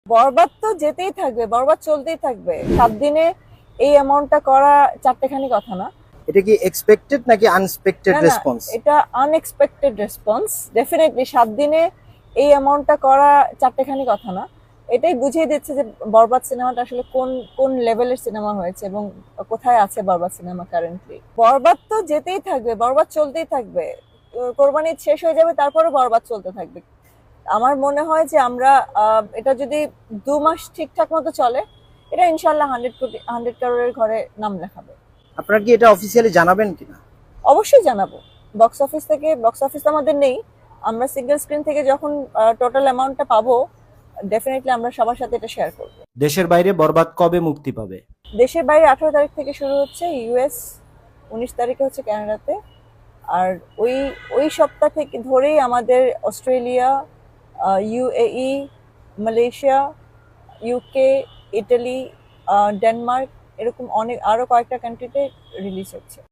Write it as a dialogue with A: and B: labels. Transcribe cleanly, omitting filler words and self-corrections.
A: বরবাদ তো যেতেই থাকবে, বরবাদ চলতেই থাকবে। 7 দিনে এই অ্যামাউন্টটা করা চারটেখানি কথা না।
B: এটা কি এক্সপেক্টেড নাকি আনএক্সপেক্টেড
A: না না,
B: রেসপন্স?
A: এটা আনএক্সপেক্টেড রেসপন্স। ডেফিনেটলি 7 দিনে এই অ্যামাউন্টটা করা চারটেখানি কথা না। এটাই বুঝিয়ে দিচ্ছে যে বরবাদ সিনেমাটা আসলে কোন কোন লেভেলের সিনেমা হয়েছে এবং কোথায় আছে বরবাদ সিনেমা কারেন্টলি। বরবাদ তো যেতেই থাকবে, বরবাদ চলতেই থাকবে। কোরবানি ঈদ শেষ হয়ে যাবে, তারপরে বরবাদ চলতে থাকবে। আমার মনে হয় যে আমরা এটা যদি 2 মাস ঠিকঠাক মতো চলে, এটা ইনশাল্লাহ 100 কোটি 100 কারোরের ঘরে নাম লেখাবে।
B: আপনারা কি এটা অফিসিয়ালি জানাবেন কিনা?
A: অবশ্যই জানাবো। বক্স অফিস আমাদের নেই। আমরা সিঙ্গেল স্ক্রিন থেকে যখন টোটাল অ্যামাউন্টটা পাবো, ডেফিনেটলি আমরা সবার সাথে এটা শেয়ার করব।
C: দেশের বাইরে বরবাদ কবে মুক্তি পাবে?
A: দেশের বাইরে 18 তারিখ থেকে শুরু হচ্ছে ইউএস, 19 তারিখে হচ্ছে কানাডাতে। আর ওই ওই সপ্তাহ থেকে ধরেই আমাদের Australia, UAE, Malaysia, UK, Italy, Denmark, এরকম অনেক আরো কয়েকটা কান্ট্রিতে রিলিজ হচ্ছে।